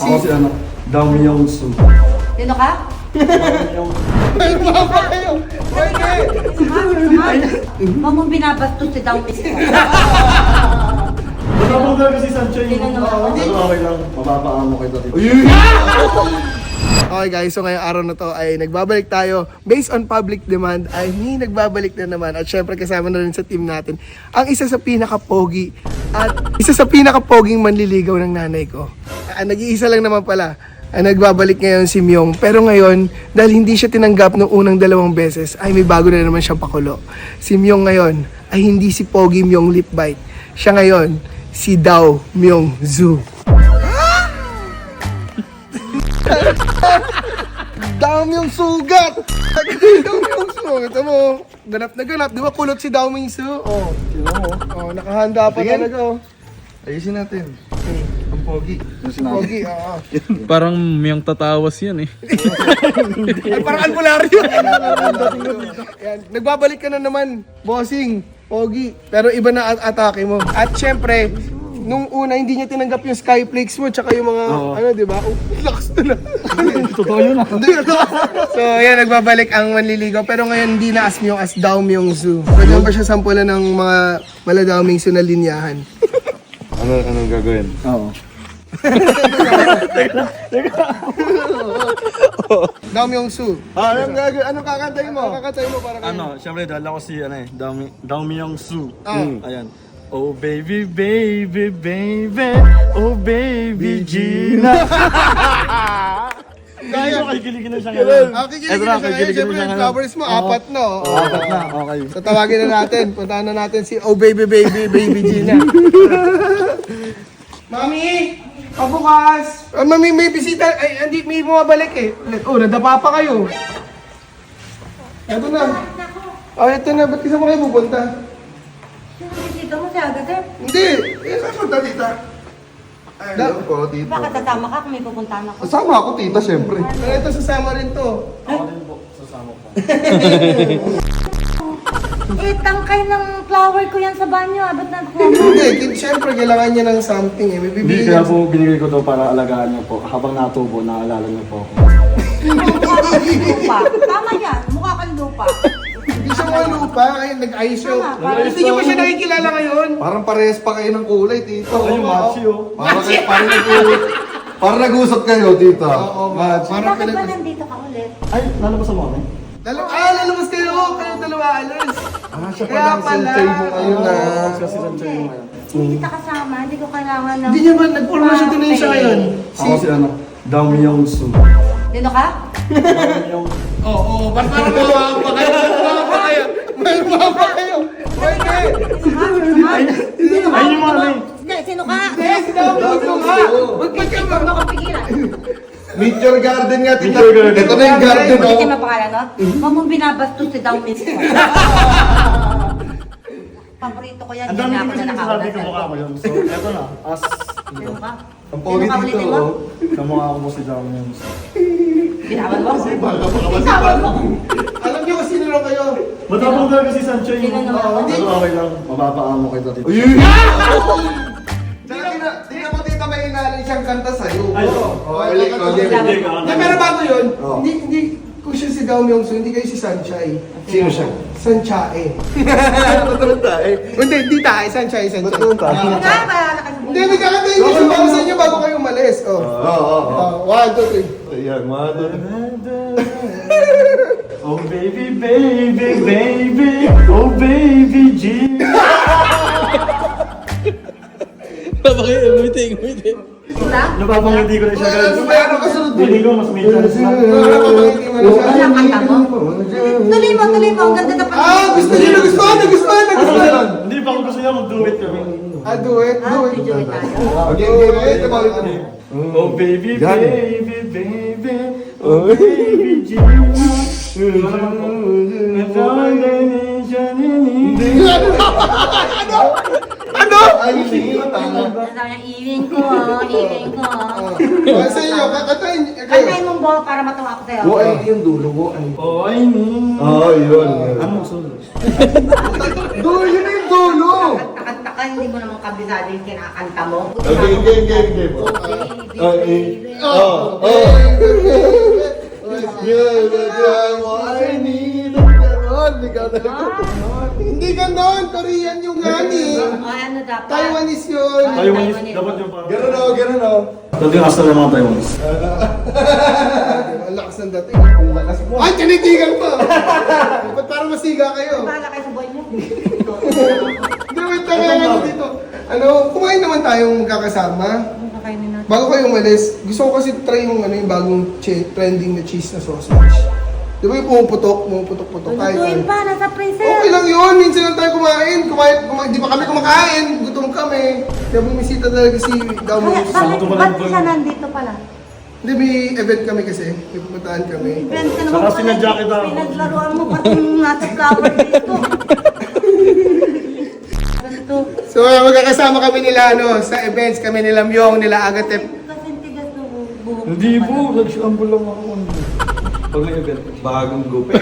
Ako si ano, Dao Myung-soo. Sino ka? Ay, mama kayo! Pwede! Huwag mong binabastos si Dao Miss ko. Matapang talaga si Sancho Sino yung... naman? Pero okay lang, mapapaamo kita dito. Okay guys, so ngayong araw na to ay nagbabalik tayo based on public demand ay nagbabalik na naman at syempre kasama na rin sa team natin ang isa sa pinaka-pogi at isa sa pinaka-poging manliligaw ng nanay ko. Nag-iisa lang naman pala. Nagbabalik ngayon si Myung, pero ngayon dahil hindi siya tinanggap noong unang 2 beses ay may bago na naman siyang pakulo. Si Myung ngayon ay hindi si Pogi Myung Lip Bite. Siya ngayon si Dao Myung-soo. Dao Myung-sugat! Dao Myung-soo. Ito mo, ganap na ganap. Di ba kulot si Dao Myung-soo? Oh, sino mo? Oh, nakahanda pa talaga oh. Ayusin natin. Ang pogi. Pogi, oo. Parang Myung tatawas yan eh. Ay, parang albularyo. Yan. Nagbabalik ka na naman, bossing, Pogi. Pero iba na atake mo. At syempre, nung una hindi niya tinanggap yung Skyflakes mo tsaka yung mga ano, di ba? Oh, lakas na. Totoo yun ah. So, yan, nagbabalik ang manliligaw. Pero ngayon hindi na as Myung, as Dao Myung-soo. Pwede mo ba siya sampulan ng mga Dao Myung-soo na linyahan? Anong gagawin? Oo. Dao Myung-soo. Anong kakantayin mo? Kakantayin mo para kayo. Ano, syempre dahil ako si ano eh, Dao Myung-soo. Ah. Ayan. Oh baby, baby, baby, oh baby Gina. Kaya ko kikiligin na siya ngayon. Kikiligin na siya ngayon. Siyempre, yung flowers mo, apat na. Oh. Apat na, okay. So tawagin na natin. Puntahan na natin si Oh Baby Baby Baby Gina. Mami! Pabukas! Mami, may bisita. Ay, hindi, may bumabalik eh. Oh, nadapa pa kayo. Ito na. Oh, ito na. Ba't kasama kayo pupunta? Dito mo siya agad eh. Hindi. Saan punta, tita? Ay, alam ko, tito. Bakit tatama ka kung may pupuntahan ako? Kasama ako, tita, syempre. Pero ito, sasama rin to. Ako din po, sasama ko. Eh, tangkay ng flower ko yan sa banyo. Ba't nakuha mo? Hindi, siyempre kailangan niya ng something eh. May Hindi, bibili kaya niya. po binigay ko to para alagaan niyo po. Habang natubo, naaalala niyo po ako. Mukha kang lupa. Tama yan. Mukha kang lupa. Hindi siya mga lupa. Ay, nag-ayos siya. Tama, Hindi niyo pa siya nakikilala ngayon. Parang parehas pa kayo ng kulay, tito. Oo, Ayun, oo. matchy oh. Parang nag-uusap kayo, tita. Oo, Matchy. parang Bakit ba nandito ka ulit? Ay, lalabas mo eh. lalabas kayo. Kayo dalawa alas. Siya Kaya pala ang pala. sensei mo ngayon na. Oo. Siya si sensei mo ngayon. Hindi kita kasama. Hindi ko kailangan ng... Hindi niya ba nag-promotion din siya ngayon? Ako si ano, Dao Myung-soo. Sino ka? Oo, ba't parang mawawa pa kayo? Mawawa pa kayo? Mawawa pa kayo? Pwede. Sino ka? Ayun yung mga name. Hindi, sino ka? Hindi, sinabi mo nga. Huwag ka ba? Huwag mo pigilan. Meet your garden nga, tita. Meet your garden. Ito na yung garden, Hindi oh. mo pangalan, no? Huwag mong binabastos si Dao Miss ko. Paborito ko yan. Ang Hindi dami na ko ako kasi na sinasabi ko nakawala. mukha ko yun. So, eto na. As, Sino ka? ang pogi Sino ka dito, ulitin mo? oh. Kamukha ko mo si Dao Myung-soo. Binawan mo? Binawan mo? Alam niyo kung sino lang kayo? Matapang talaga si Sancho Sino yung... naman? Pero okay lang, mapapaamo kita dito. Di naman tita may inalan siyang kanta sa'yo. Ay, oo. Hindi, pero bago yun, Oo. hindi, kung siya si Dao Myung-soo, hindi kayo si Sanchai. Sino siya? Sanchae. Tutulog tayo. Hindi tayo, Sanchai, Sanchai. Tutulog tayo. Sino ka? Bahala ka sa Hindi, may kakantayin niyo siya para sa inyo bago kayo umalis. Oh. Oo. 1, 2, 3. Ayan, mga doon. Oh baby, baby, baby, oh baby G. Umiti. Sila? Napapangiti ko na siya guys. Ano ba yan? Ano kasunod doon? Hindi ko mas may chance na. Napapangiti mo na siya. Ano ang kanta mo? Tuloy mo. Ang ganda na Gusto niyo, nagustuhan. Hindi pa ako gusto niya mag-duet kami. Do it. Video tayo. Okay, oh baby, baby, baby, oh baby G. Ano? Ay, hindi ko tama. Sabi niya, iwing ko. Sa inyo, kakantayin kayo. Kantayin mong ball para matuwa ako sa'yo. Ay, yung dulo ko ay. Oh, I need. Oh, yun. Ano solo? Dulo, yun na yung dulo. Kakanta ka ka, hindi mo naman kabisado yung kinakanta mo. Game. Hindi ganon, Korean yung ngani. Ay, ano dapat? Taiwanese yun. Taiwanese, dapat yung parang... Ganun o. Dati yung hasta ng mga Taiwanese. Ang lakas ng dating. Ang lakas mo. Ay, tinitigan pa. Ba't parang masiga kayo? Bahala kayo sa buhay niyo. Hindi, wait lang ano dito. Ano, kumain naman tayong magkakasama. Ano kakainin natin? Bago kayo umalis, gusto ko kasi try yung yung bagong trending na cheese na sausage. Di ba yung pumuputok? Kahit Lutuin ano. pa, nasa freezer. Okay lang yun, minsan lang tayo kumain. Di pa kami kumakain, gutom kami. Kaya bumisita talaga si Damo. Ba't siya nandito pala? Hindi, may event kami kasi. May pupuntahan kami. Event ka naman Saka pala. sinadya kita. Pinaglaruan mo pati yung nasa flower dito. Ganito. So, magkakasama kami nila sa events. Kami nila Myong, nila Agatep. Kasi tigas ng buhok. Hindi po, nag-shamble lang ako. Pag may event. Bagong gupit.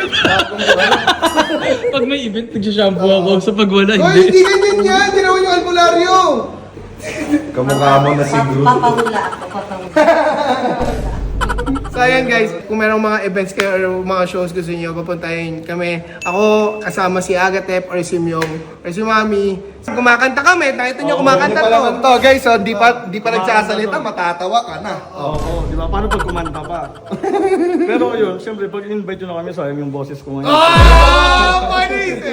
Pag may event, nagsashampoo ako. Sa pag wala, Hoy, hindi. hindi ganyan yan! Ginawa yung albularyo! Kamukha mo na si Groot. Papahula ako, papahula. So ayan guys, kung merong mga events kayo or mga shows gusto niyo papuntahin kami. Ako kasama si Agatep or si Myong or si Mami. Kumakanta kami, nakita niyo kumakanta to. Guys, so di pa nagsasalita, matatawa ka na. Oo, di ba? Paano pag kumanta pa? Pero yun, siyempre, pag invite nyo na kami, sayang yung boses ko ngayon. Oh, Paris!